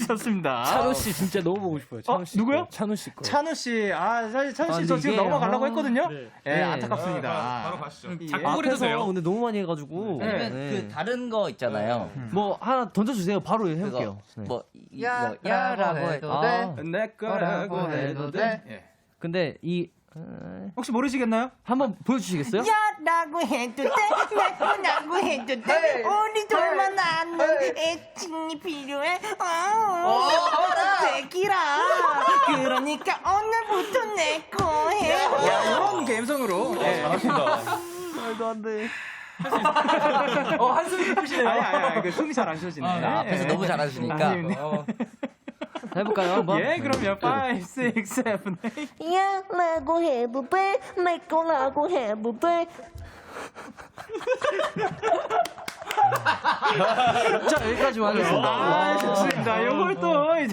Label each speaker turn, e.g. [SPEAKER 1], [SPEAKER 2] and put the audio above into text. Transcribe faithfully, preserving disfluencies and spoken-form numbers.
[SPEAKER 1] 좋습니다.
[SPEAKER 2] 찬우 씨 진짜 너무 보고 싶어요. 찬우 씨.
[SPEAKER 1] 어, 누구요?
[SPEAKER 2] 거. 찬우 씨 거.
[SPEAKER 1] 찬우 씨, 아, 사실 찬우 씨
[SPEAKER 2] 아,
[SPEAKER 1] 저 지금
[SPEAKER 2] 이게,
[SPEAKER 1] 넘어가려고
[SPEAKER 2] 아,
[SPEAKER 1] 했거든요.
[SPEAKER 2] 네.
[SPEAKER 1] 예,
[SPEAKER 2] 네.
[SPEAKER 1] 안타깝습니다.
[SPEAKER 3] 아, 바로 가시죠.
[SPEAKER 1] 예.
[SPEAKER 4] 작곡을 해도 돼요.
[SPEAKER 2] 근데 너무 많이 해가지고.
[SPEAKER 5] 아니면
[SPEAKER 2] 네.
[SPEAKER 5] 그 다른 거 있잖아요.
[SPEAKER 2] 뭐 하나 던져주세요. 바로 해볼게요.
[SPEAKER 5] 그거
[SPEAKER 2] 네.
[SPEAKER 5] 뭐 이- 뭐 야라고 해도
[SPEAKER 2] 아,
[SPEAKER 5] 돼.
[SPEAKER 1] 내 거라고 해도 돼. 예.
[SPEAKER 2] 근데 이
[SPEAKER 1] 혹시 모르시겠나요?
[SPEAKER 2] 한번 보여주시겠어요?
[SPEAKER 6] 야라고 해도 돼, 내 거라고 해도 돼. 우리 둘만 아는 애칭이 필요해. 어, 대기라. 그러니까 오늘부터 내 거 해.
[SPEAKER 1] 야, 이런 감성으로. 예.
[SPEAKER 2] 말도 안 돼.
[SPEAKER 1] 어, 한숨이 깊으시네요. 아니, 아니, 아니, 그 숨이 잘 안 쉬어지네.
[SPEAKER 5] 아, 앞에서 너무 잘하시니까.
[SPEAKER 1] 어.
[SPEAKER 2] 해볼까요 한번?
[SPEAKER 1] 예, 그럼요. 오, 육, 칠, 팔.
[SPEAKER 6] 야라고 해도 돼, 내 거라고 해도 돼.
[SPEAKER 2] 자 여기까지만 하겠습니다.
[SPEAKER 1] 아, 좋습니다. 요걸 또 이제